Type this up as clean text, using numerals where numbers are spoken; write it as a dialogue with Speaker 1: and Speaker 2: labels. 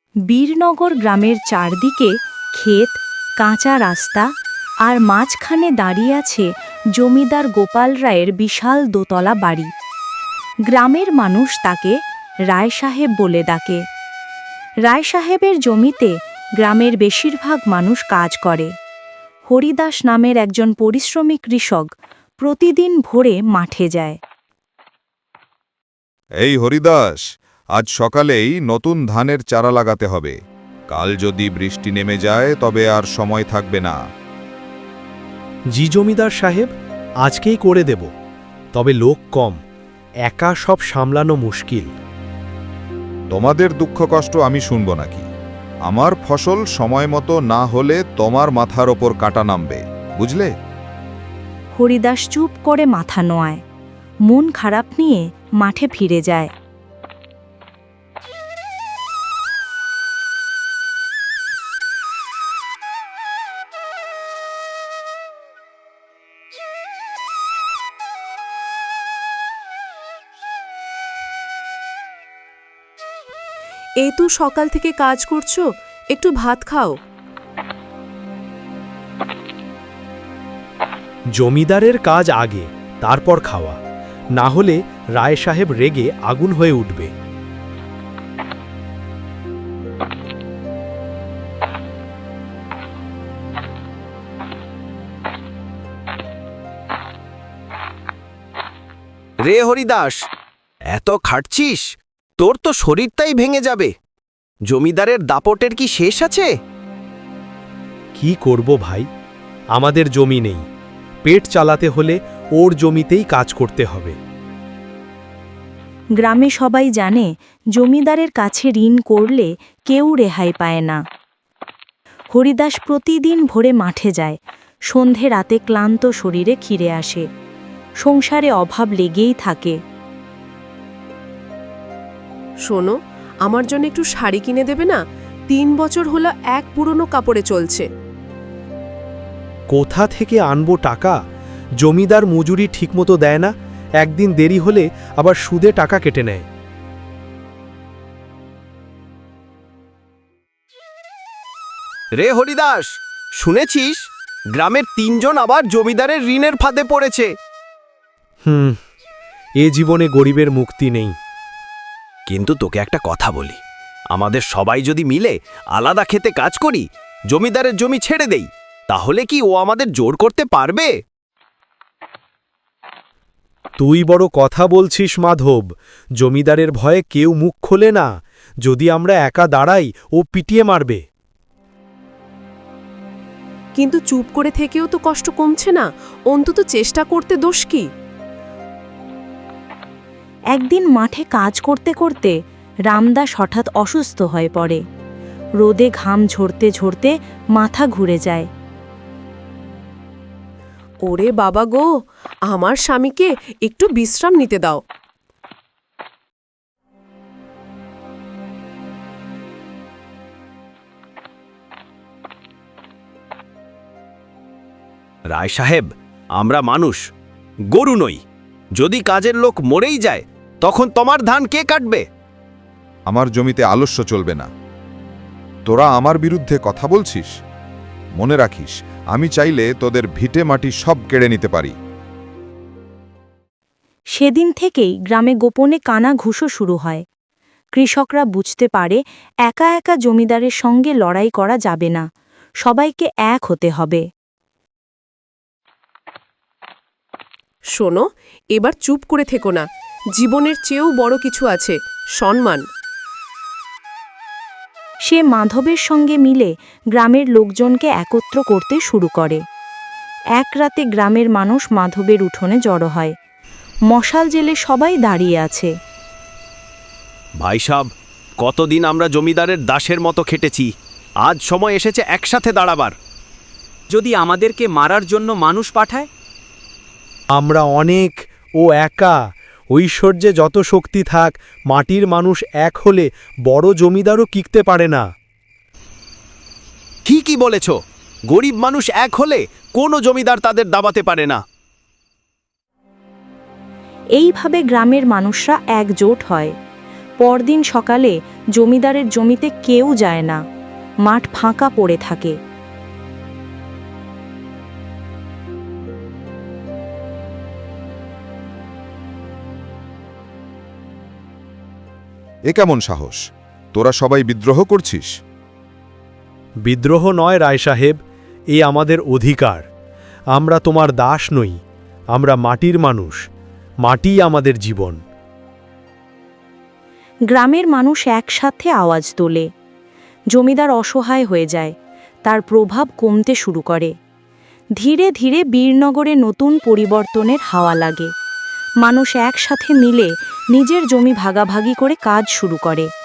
Speaker 1: বীরনগর গ্রামের চারদিকে ক্ষেত, কাঁচা রাস্তা আর মাঝখানে দাঁড়িয়ে আছে জমিদার গোপাল রায়ের বিশাল দোতলা বাড়ি। গ্রামের মানুষ তাকে রায় সাহেব বলে ডাকে। রায় সাহেবের জমিতে গ্রামের বেশিরভাগ মানুষ কাজ করে। হরিদাস নামের একজন পরিশ্রমী কৃষক প্রতিদিন ভোরে মাঠে যায়।
Speaker 2: এই হরিদাস, আজ সকালেই নতুন ধানের চারা লাগাতে হবে। কাল যদি বৃষ্টি নেমে যায় তবে আর সময় থাকবে না।
Speaker 3: জি জমিদার সাহেব, আজকেই করে দেব, তবে লোক কম, একা সব সামলানো মুশকিল।
Speaker 2: তোমাদের দুঃখ কষ্ট আমি শুনব নাকি? আমার ফসল সময় মতো না হলে তোমার মাথার ওপর কাঁটা নামবে, বুঝলে?
Speaker 1: হরিদাস চুপ করে মাথা নোয়ায়, মন খারাপ নিয়ে মাঠে ফিরে যায়।
Speaker 4: এই তো সকাল থেকে কাজ করছো, একটু ভাত খাও।
Speaker 3: জমিদারের কাজ আগে, তারপর খাওয়া, না হলে রায় সাহেব রেগে আগুন হয়ে উঠবে।
Speaker 5: রে হরিদাস, এত খাটছিস, তোর তো শরীরটাই ভেঙে যাবে। জমিদারের দাপটের কি শেষ আছে?
Speaker 3: কি করব ভাই, আমাদের জমি নেই, পেট চালাতে হলে ওর জমিতেই কাজ করতে হবে।
Speaker 1: গ্রামে সবাই জানে জমিদারের কাছে ঋণ করলে কেউ রেহাই পায় না। হরিদাস প্রতিদিন ভোরে মাঠে যায়, সন্ধে রাতে ক্লান্ত শরীরে ফিরে আসে। সংসারে অভাব লেগেই থাকে।
Speaker 4: শোনো, আমার জন্য একটু শাড়ি কিনে দেবে না? 3 বছর হলো এক পুরনো কাপড়ে চলছে।
Speaker 3: কোথা থেকে আনবো টাকা? জমিদার মজুরি ঠিকমতো দেয় না, একদিন দেরি হলে আবার সুদে টাকা কেটে নেয়।
Speaker 5: রে হরিদাস, শুনেছিস গ্রামের 3 জন আবার জমিদারের ঋণের ফাঁদে পড়েছে?
Speaker 3: এ জীবনে গরিবের মুক্তি নেই।
Speaker 5: কিন্তু তোকে একটা কথা বলি, আমাদের সবাই যদি মিলে আলাদা খেতে কাজ করি, জমিদারের জমি ছেড়ে দেই, তাহলে কি ও আমাদের জোর করতে পারবে?
Speaker 3: তুই বড় কথা বলছিস মাধব, জমিদারের ভয়ে কেউ মুখ খোলে না। যদি আমরা একা দাঁড়াই, ও পিটিয়ে মারবে।
Speaker 4: কিন্তু চুপ করে থেকেও তো কষ্ট কমছে না, অন্তত চেষ্টা করতে দোষ কি?
Speaker 1: একদিন মাঠে কাজ করতে করতে রামদাস হঠাৎ অসুস্থ হয়ে পড়ে। রোদে ঘাম ঝরতে ঝরতে মাথা ঘুরে যায়।
Speaker 4: ওরে বাবা গো, আমার স্বামীকে একটু বিশ্রাম নিতে দাও।
Speaker 5: রায় সাহেব, আমরা মানুষ, গরু নই। যদি কাজের লোক মরেই যায়, তখন তোমার ধান কে কাটবে?
Speaker 2: আমার জমিতে আলস্য চলবে না। তোরা আমার বিরুদ্ধে কথা বলছিস? মনে রাখিস, আমি চাইলে তোদের ভিটে মাটি সব কেড়ে নিতে পারি।
Speaker 1: সেদিন থেকেই গ্রামে গোপনে কানা ঘুষো শুরু হয়। কৃষকরা বুঝতে পারে একা একা জমিদারের সঙ্গে লড়াই করা যাবে না, সবাইকে এক হতে হবে।
Speaker 4: শোনো, এবার চুপ করে থেকো না, জীবনের চেয়েও বড় কিছু আছে, সম্মান।
Speaker 1: সে মাধবের সঙ্গে মিলে গ্রামের লোকজনকে একত্র করতে শুরু করে। এক রাতে গ্রামের মানুষ মাধবের উঠোনে জড়ো হয়। মশাল জেলে সবাই দাঁড়িয়ে আছে।
Speaker 5: ভাই সাব, কতদিন আমরা জমিদারের দাসের মতো খেটেছি, আজ সময় এসেছে একসাথে দাঁড়াবার।
Speaker 6: যদি আমাদেরকে মারার জন্য মানুষ পাঠায়?
Speaker 3: আমরা অনেক, ও একা। ঐশ্বর্যে যত শক্তি থাক, মাটির মানুষ এক হলে বড় জমিদারও টিকতে পারে না।
Speaker 5: ঠিকই বলেছ, গরিব মানুষ এক হলে কোনো জমিদার তাদের দাবাতে পারে না।
Speaker 1: এইভাবে গ্রামের মানুষরা একজোট হয়। পরদিন সকালে জমিদারের জমিতে কেউ যায় না, মাঠ ফাঁকা পড়ে থাকে।
Speaker 2: এ কেমন সাহস? তোরা সবাই বিদ্রোহ করছিস?
Speaker 3: বিদ্রোহ নয় রায় সাহেব, এই আমাদের অধিকার। আমরা তোমার দাস নই, আমরা মাটির মানুষ, মাটিই আমাদের জীবন।
Speaker 1: গ্রামের মানুষ একসাথে আওয়াজ তোলে। জমিদার অসহায় হয়ে যায়, তার প্রভাব কমতে শুরু করে। ধীরে ধীরে বীরনগরে নতুন পরিবর্তনের হাওয়া লাগে। মানুষ একসাথে মিলে নিজের জমি ভাগাভাগি করে কাজ শুরু করে।